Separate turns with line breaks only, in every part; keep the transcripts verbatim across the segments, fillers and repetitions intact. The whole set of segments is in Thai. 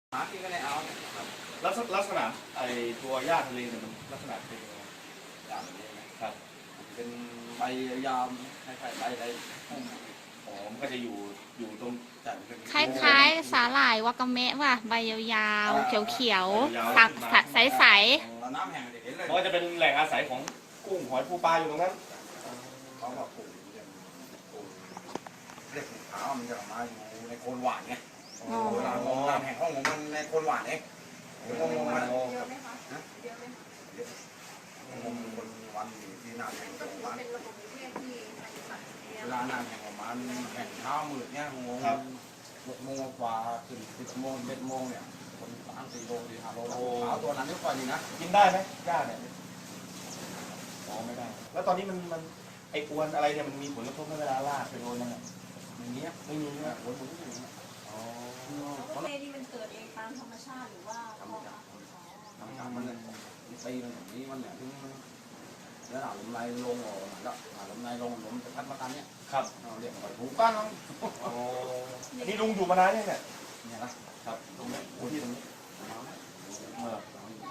หาที่ก็ได้เอาเนี่ยครับ
ลักษณะลักษณะไอ้ตัวหญ้าทะเลเนี่ยมันลักษณะเป็นยังไง
ยามนี้นะครับเป็นใบยามคล้ายๆใบอะไรพุ่ม
อ๋อมันก็จะอยู่อยู่ตรง
จัดเป็น
คล้ายๆสาหร่ายวากาเมะว่ะใบยาวๆ เขียวๆฝักใส
ๆแล้วน้ำแห้งเห็นเลย
เพราะจะเป็นแหล่งอาศัยของกุ้งหอยปูปลาอยู่ตรงนั้น
เขาบอกปลูกปลูกเรียกขาวมันจะมาอยู่ในโคนหวานไงเวลาลงน้ำแห้งห้องของมันในโคนหวานเองงงมันเยอะไหมคะเยอะไหมเยอะงงคนวันที่น้ำแห้งโคนหวานเวลาน้ำแห้งของมันแห้งเช้ามืดเนี่ยงงหกโมงกว่าถึงสิบโมงเจ็ดโมงเนี่ยคนสามสี่โลสี่ห้าโลขาวตัวนั้นเยอะกว่านี้นะ
กินได้ไหมหญ้าเนี่ยอ๋อไม่ได้แล้วตอนนี้มันมันไอ้อวนอะไรเนี่ยมันมีผลกระทบในเวลาล่าไปโดนมันอ่ะ
ไม่มี
ไม่มีนะ
วนหมุนอยู่นะ
อ๋อ
ทะเลนี่มันเกิดเองตามธรรมชาติหรือว่า
ทำจากทำจากมันเนี่ยตีมันอย่างนี้มันเนี่ยถึงแล้วหนาลมในลงออกแล้วหนาลมในลงลมจะพัดมาตามเนี่ย
ครับ
เราเรียกว่าถูกป้าน้อง
อ๋อนี่ลุงอยู่มานานยังเนี่ย
เนี่ยนะครับ
ตรงนี้โอ้ที่ตรงนี้
เออ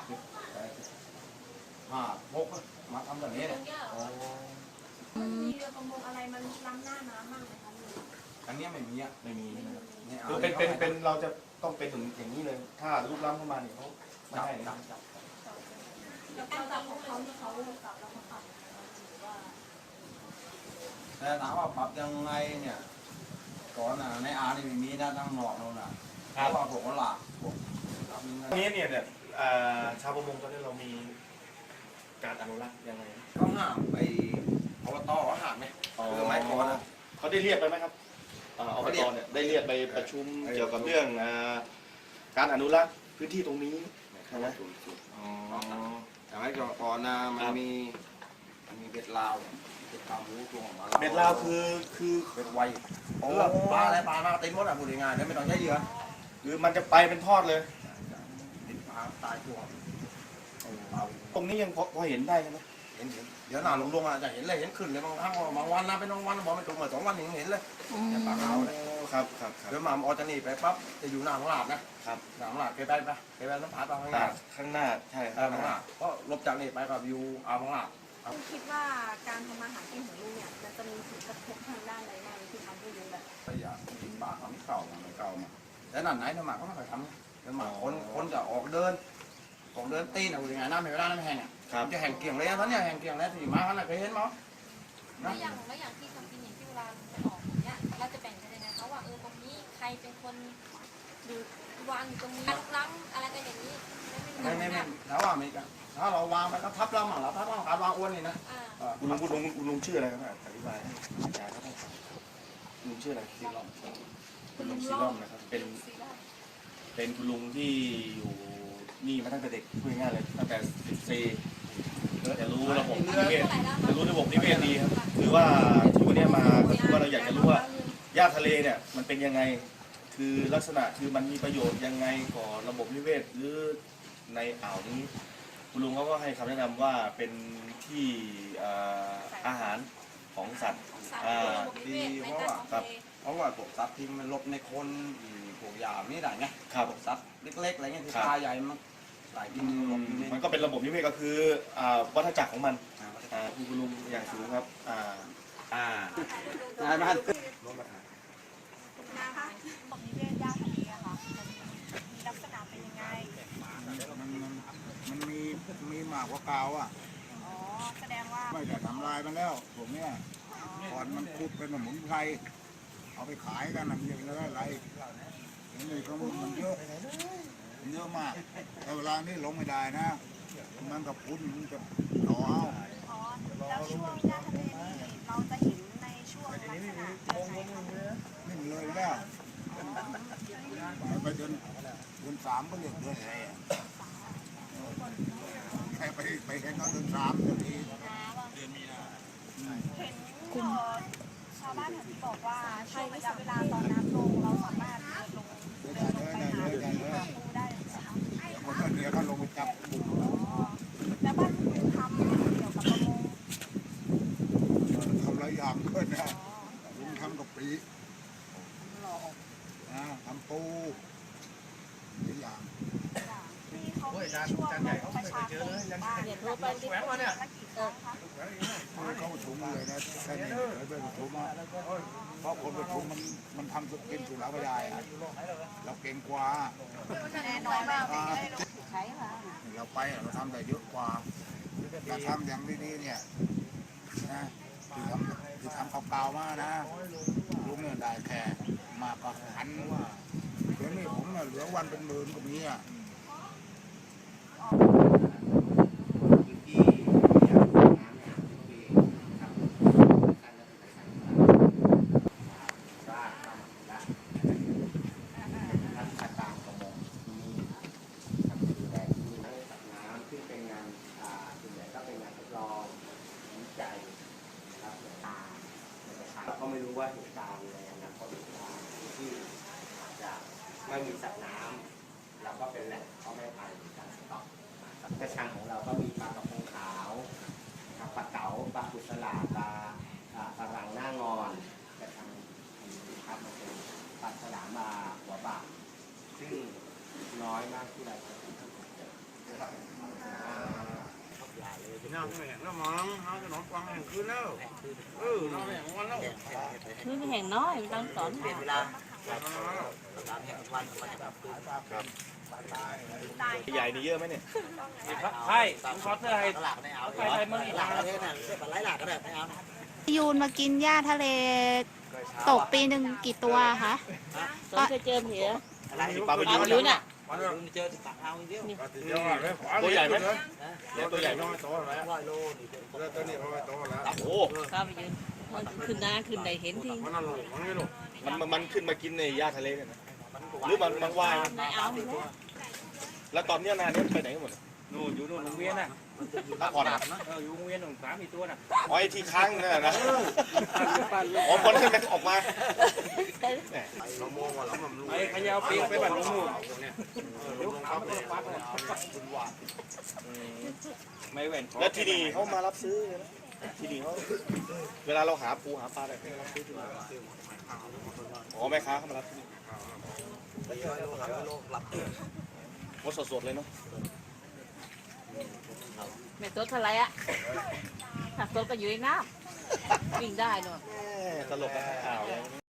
ห้าหกมาทำแบบนี้เลย
มีเรือประมงอะไรมันล้ำหน้าน้ำบ้างไหมคะลุง
อันนี้ไม่มีอ่ะ
ไม่มีนะครับคือเป็นเป็นเป็นเราจะต้องเป็นถึงอย่างนี้เลย ถ้าลุกล้ำเข้ามาเนี่ยเขาไม่ให้
จับจับ
แล้วการจับของเขาที่เขาจับแล้วเขาตัดหรือว่า
แต่ถามว่าปรับยังไงเนี่ยก่อนน่ะในอาร์นี่ไม่มีนะตั้งหนอกโน่นน่ะเพราะว่าพวกมันหลักพวก
ตอนนี้เนี่ยเนี่ยชาวประมงตอนนี้เรามีการอนุรักษ์ยังไง
เขาห้ามไปอบตเขาห้ามไหมคือไม้กอนะ
เขาได้เรียกไปไหมครับอบตเนี่ยได้เรียกไปประชุมเกี่ยวกับเรื่องการอนุรักษ์พื้นที่ตรงนี้ใช่ไหมอ๋อ
อย่างไรก่อนนะมันมีมีเบ็ดลาวเบ็ดลาวรู้ตัวของมัน
เบ็ดลาวคือคือ
เบ็ดไวเออปลาอะไรปลามาเต็มหมดอ่ะพูดง่ายๆเดี๋ยวไม่ต้องใช้เหยื่อ
คือมันจะไปเป็นทอดเลย
ติดปลาตายตัว
ตรงนี้ยังพอเห็นได้ใช่ไหม
เห็นเห็นเดี๋ยวหน้าลงลงอ่ะจะเห็นเลยเห็นขึ้นเลยบางครั้งบางวันนะเป็นบางวันบอกไม่ตรงเหมือนสองวันยังเห็นเลยแต่ปลาเขาเลย
ครับครับ
เดี๋ยวมาออจะนี่ไปปั๊บจะอยู่หน้าของหลาดนะครับหน้าของหลาดเคยไปปะเคยไปน้ำผาตอนข้างหน้า
ข้างหน้าใช่
ข้างหน้าก็ลบจากนี่ไปกับอยู่อ่าวของหลาด
ลุงคิดว่าการทำอาหารกินของลุงเนี่ยจะมีผลกระทบทางด้านอะไรบ้างที่ทำให้ลุงแบบ
ก็อยากกินปลาทำเก่ามันเก่ามาแต่นั่นไหนน้ำหมักก็ไม่เคยทำน้ำหมักคนคนจะออกเดินออกเดินตีนเอาอย่างไงน้ำไม่ได้น้ำแห้งอ่ะจะแห้งเกี่ยงเลยท่านเนี่ยแห้งเกี่ยงแล้วที่มาท่านเคยเห็นมั้ย
แล้วอย่างแล้วอย่างที่ทำกินอย่างที่เวลาจะออกอย่างเงี้ยเราจะแบ่งกันยังไงคะว่าเออตรงนี้ใครเป็นคนดูวางอยู่ตรงนี้ล้ำอะไรกันอย่างนี้
ไม่ไม่ไม่ถ้าว่าไม่กันถ้าเราวางไปก็ทับเราหมั่งเราทับเราการวางอ้วนนี่นะ
คุณลุงคุณลุงคุณลุงชื่ออะไรครับอธิบายอาจารย์เขาต้องฟังลุงชื่ออะไรซีร่อมคุณลุงซีร่อมนะครับเป็นเป็นคุณลุงที่อยู่นี่มาตั้งแต่เด็กพูดง่ายเลยตั้งแต่สิบสี่จะรู้ระบบนิเวศจะรู้ระบบนิเวศดีครับคือว่าที่วันนี้มาก็คือว่าเราอยากจะรู้ว่าหญ้าทะเลเนี่ยมันเป็นยังไงคือลักษณะคือมันมีประโยชน์ยังไงต่อระบบนิเวศหรือในอ่าวนี้คุณลุงเขาก็ให้คำแนะนำว่าเป็นที่อาหารของสัตว์
ดีเพราะว่าเพราะว่าพวกสัตว์ที่มันหลบในคนพวกยานี่ได้ไงพวกสัตว์เล็กๆอะไรเงี้ยที่ตาใหญ่มันหลายกิน
มันก็เป็นระบบนิเวศก็คือวัฏจักรของมันคุณลุงอย่างสูงครับอ่าอ่า
ได้ไหมลงมา
ถ่ายนะคะระบบนิเวศหญ้าทะเลอะค่ะมีลักษณะเป็นยังไง
มันมันมีมีมากกว่าเก่าอ่ะ
อ๋อแสดงว่า
ไม่ได้ทำลายมันแล้วผมเนี่ยก่อนมันคุดเป็นสมุนไพรเอาไปขายกันนะมันยังได้ไรนี่ก็มันเยอะเยอะมากแต่เวลานี้ลงไม่ได้นะมันกับพุ้นมันจะหนอเอา
อ๋อแล้วช่วงหญ้าทะเลนี่เราจะเห็นในช่วงลักษณะเดือนไหนคะ
นี่มันเลยแล้วไปเดือนเดือนสามก็เรียกเดือนอะไรใครไปไปเห็นก็เดือนสามเดือนนี้
เดือนมีนาเห็นชาวบ้านแถวนี้บอกว่าช่วงระยะเวลาตอนน้ำลงเราสามารถเดินลงเดินลงไปหาปูได้
คนก็เดียวเขาลงไปจับปู
แล้วบ้านคุณทำเกี่ยวกับประมง
ทำหลายอย่างด้วยนะลุงทำกับปีนะทำปูหลายอย่าง
ช่วงประชาคมบ้านเนี่ยไปที่ภารกิจนะคะ
เขาประชุมเลยนะแค่นี้เคยไปประชุมมาเพราะคนประชุมมันมันทำสุกินสุราไม่ได้อะเราเก่งกว่า
แน่นอนว่าใช่ค่ะ
เราไปอะเราทำได้เยอะกว่าถ้าทำอย่างดีๆเนี่ยนะที่ทำที่ทำเก่าๆมานะลุงเนี่ยได้แค่มากกว่าพันว่าเดี๋ยวนี้ผมเนี่ยเหลือวันเป็นหมื่นก็มีอ่ะ
เราก็ไม่รู้ว่าเหตุการณ์ในอนาคตที่อาจจะไม่มีสัตว์น้ำเราก็เป็นแหล่งพ่อแม่พันธุ์ในการสต็อกกระชังของเราก็มีปลากระพงขาวปลาเก๋าปลากุศลาปลาปลารังหน้างอนกระชังนี้ครับมันเป็นปลาฉลามมาหัวบากซึ่งน้อยมากที่เราจะเจอ
น้ำแห้งแล้วมั้งน้ำจะนอนฟังแห้งคืนแล้วเออน้ำแห้งวันแล้ว
คือแห่งน้อยไม่ต้องสอนเปลี่ยนเวลา
ใหญ่นี่เยอะไหมเนี่ย
ใช่ผมขอเสื้อให้
ไปไปเมืองอีกหลังเลยนะปลาไหลหลักก็ได้ไม่เอานะ
ยูนมากินหญ้าทะเลตกปีหนึ่งกี่ตัวคะ
สอนเคยเจอเหรอ
ปลาประ
ปลา
ยุ
ป
ท
ระ
ธ์
ยุทธ์อ่ะ
เจอที่ปากเอาเดียว
ตัวใหญ่ไหม
ตัวใหญ่น้อยโตแล้ว
ร้อยโลนี่
แล้วตัวนี้เขาไปโตแล้ว
โอ้
ปลาประยุทธ์มันขึ้นหน้าขึ้นใดเห็นที่
มันนั่นหลงมันไม่หลง
มันมันมันขึ้นมากินในหญ้าทะเลเนี่ยนะหรือมันมันว่าย
ไม่เอาเลย
แล้วตอนเนี้ยนานเนี้ยไปไหนกันหมด
นู่นอยู่นู่นโรงเรียนน่ะ
พักผ่อนอ่ะ
เอออยู่โรงเรียนหนึ่งสามอีกตัวน่ะ
อ๋อไอ้ที่ค้างนั่นน่ะนะอ๋อคนขึ้นไปออกมา
เรามองว่าเราแบบไอ้ขยาวปีกไปบ้านลุงนู่นเนี่ยเดี๋ยวขาวมันก็ฟักเลยไม่เว้น
แล้วที่นี่เขามารับซื้อนะที่นี่เขาเวลาเราหาปูหาปลาอะไรเขามารับซื้อที่นี่อ๋อแม่ค้าเขามารับที่นี่โอ้สดๆเลยเนาะ
ไม่ตัวเท่าไรอ่ะถ้าตัวก็อยู่ในน้ำวิ่งได้เนาะ
ตลกกับข่าวเลย